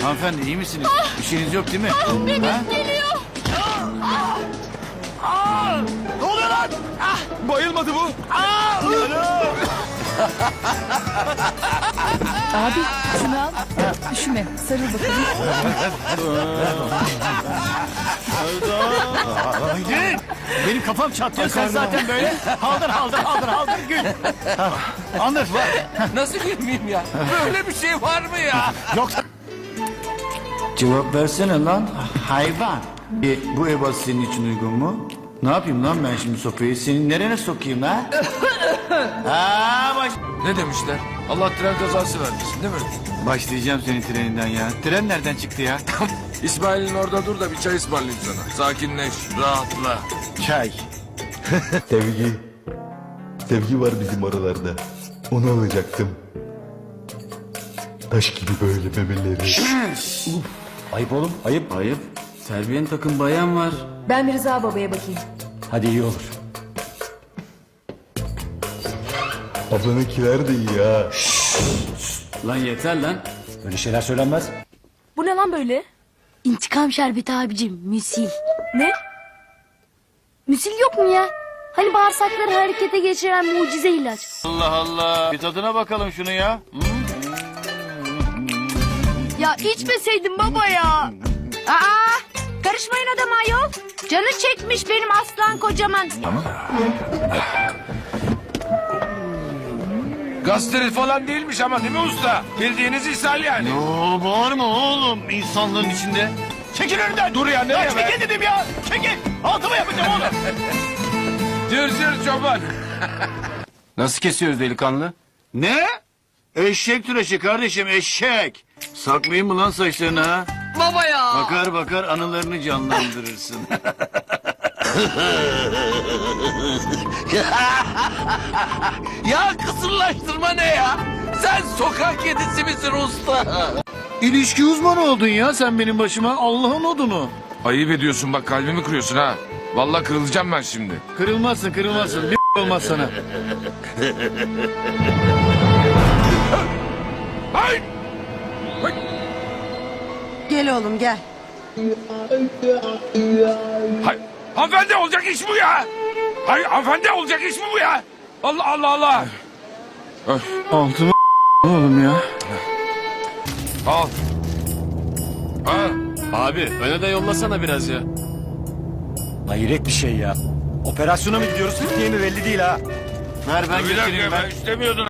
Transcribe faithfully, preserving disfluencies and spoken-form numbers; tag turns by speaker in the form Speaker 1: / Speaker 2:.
Speaker 1: Hanımefendi iyi misiniz? Bir şeyiniz yok değil mi?
Speaker 2: Benim
Speaker 1: Ha?
Speaker 2: geliyor.
Speaker 1: Ne oluyor lan? Bayılmadı bu.
Speaker 3: Abi şunu al. Üşüme. Sarıl bakalım.
Speaker 1: Gül. Benim kafam çatlıyor sen zaten böyle. Haldır haldır haldır haldır gül. Anlat var.
Speaker 4: Nasıl gülmeyeyim ya? Böyle bir şey var mı ya?
Speaker 1: Yoksa... Cevap versene lan hayvan. E, bu ebat senin için uygun mu? Ne yapayım lan ben şimdi sopayı? Senin nerene sokayım ha? Ha baş...
Speaker 4: Ne demişler? Allah tren kazası vermesin değil mi?
Speaker 1: Başlayacağım senin treninden ya. Tren nereden çıktı ya?
Speaker 4: İsmail'in orada dur da bir çay ısmarlayayım sana. Sakinleş, rahatla.
Speaker 1: Çay.
Speaker 5: Sevgi. Sevgi var bizim aralarda. Onu alacaktım. Taş gibi böyle memeleri.
Speaker 6: Ayıp oğlum ayıp.
Speaker 1: Ayıp. Terbiyeni takım bayan var.
Speaker 3: Ben bir Rıza babaya bakayım.
Speaker 6: Hadi iyi olur.
Speaker 5: Ablanınkiler de iyi ha.
Speaker 1: Lan yeter lan.
Speaker 6: Öyle şeyler söylenmez.
Speaker 3: Bu ne lan böyle?
Speaker 2: İntikam şerbeti abicim. Müsil.
Speaker 3: Ne?
Speaker 2: Müsil yok mu ya? Hani bağırsakları harekete geçiren mucize ilaç.
Speaker 1: Allah Allah. Bir tadına bakalım şunu ya. Hı?
Speaker 2: Ya içmeseydin baba ya. Aa, karışmayın adama ayol. Canı çekmiş benim aslan kocaman.
Speaker 4: Gastrit falan değilmiş ama değil mi usta? Bildiğiniz ishal yani.
Speaker 1: Oo, bağırma oğlum insanların içinde. Çekil önümden.
Speaker 4: Dur ya, nereye
Speaker 1: Ya
Speaker 4: be?
Speaker 1: çekil dedim ya. Çekil. Altıma yapacağım oğlum.
Speaker 4: Cır cır çoban.
Speaker 6: Nasıl kesiyoruz delikanlı?
Speaker 1: Ne? Eşek tıraşı kardeşim eşek. Saklayayım mı lan saçlarını ha?
Speaker 2: Baba ya.
Speaker 1: Bakar bakar anılarını canlandırırsın.
Speaker 4: Ya kısırlaştırma ne ya? Sen sokak kedisi misin usta?
Speaker 1: İlişki uzmanı oldun ya sen benim başıma. Allah'ın odunu.
Speaker 4: Ayıp ediyorsun bak kalbimi kırıyorsun ha. Vallahi kırılacağım ben şimdi.
Speaker 1: Kırılmazsın kırılmazsın. Bir olmaz sana.
Speaker 4: Hayır.
Speaker 7: Gel oğlum gel.
Speaker 4: Hayır. Hanımefendi olacak iş bu ya. Hayır hanımefendi olacak iş mi bu ya? Allah Allah Allah. Öf,
Speaker 1: Altıma oğlum ya.
Speaker 4: al. Ha.
Speaker 6: Abi öne de yollasana biraz ya. Hayret bir şey ya. Operasyona mı gidiyoruz Türkiye mi belli değil ha.
Speaker 1: Ver ben
Speaker 4: Bir dakika
Speaker 1: getireyim ben.
Speaker 4: ben istemiyordum.